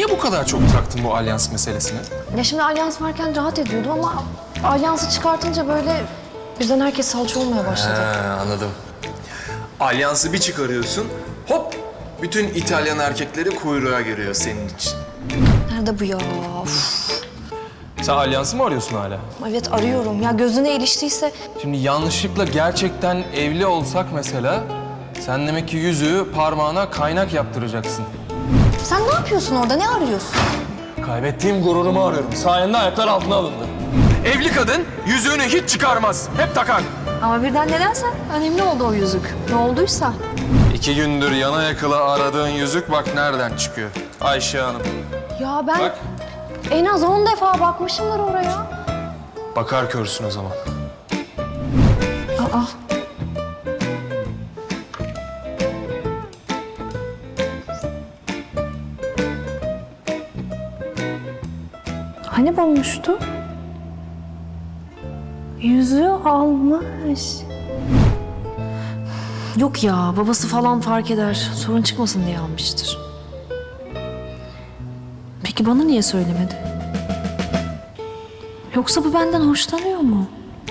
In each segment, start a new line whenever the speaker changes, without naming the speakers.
Niye bu kadar çok taktın bu alyans meselesine?
Ya şimdi alyans varken rahat ediyordum ama alyansı çıkartınca böyle birden herkes salça olmaya başladı.
Anladım. Alyansı bir çıkarıyorsun, hop! Bütün İtalyan erkekleri kuyruğa giriyor senin için.
Nerede bu ya? Uf.
Sen alyansı mı arıyorsun hala?
Evet arıyorum. Ya gözüne iliştiyse
Şimdi yanlışlıkla gerçekten evli olsak mesela... ...sen demek ki yüzüğü parmağına kaynak yaptıracaksın.
sen ne yapıyorsun orada? Ne arıyorsun?
Kaybettiğim gururumu arıyorum. Sayende ayaklar altına alındı. Evli kadın yüzüğünü hiç çıkarmaz. Hep takar.
Ama birden nedense önemli oldu o yüzük. Ne olduysa.
2 gündür yana yakıla aradığın yüzük bak nereden çıkıyor. Ayşe Hanım.
Ya ben
Bak.
en az 10 defa bakmışımdır oraya.
Bakar körsün o zaman.
Aa. Hani bulmuştu? Yüzüğü almış. Yok ya, babası falan fark eder. Sorun çıkmasın diye almıştır. Peki bana niye söylemedi? Yoksa bu benden hoşlanıyor mu?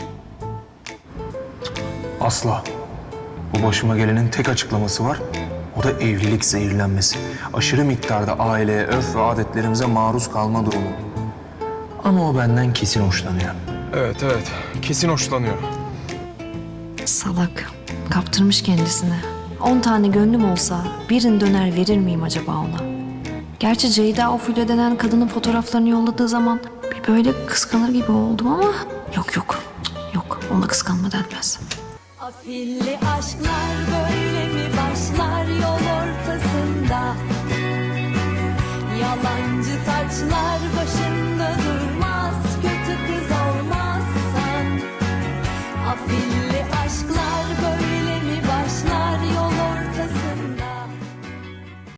Asla. Bu başıma gelenin tek açıklaması var. O da evlilik zehirlenmesi. Aşırı miktarda aileye, örf ve adetlerimize maruz kalma durumu. Ama o benden kesin hoşlanıyor. Evet. Kesin hoşlanıyor.
Salak. Kaptırmış kendisini. 10 tane gönlüm olsa birini döner verir miyim acaba ona? Gerçi Ceyda o Fulya denen kadının fotoğraflarını yolladığı zaman bir böyle kıskanır gibi oldum ama... Yok. Ona kıskanma denmez.
Afilli aşklar böyle mi başlar yol ortasında? Yalancı taçlar başında durmaz, kötü kız olmazsan. Afilli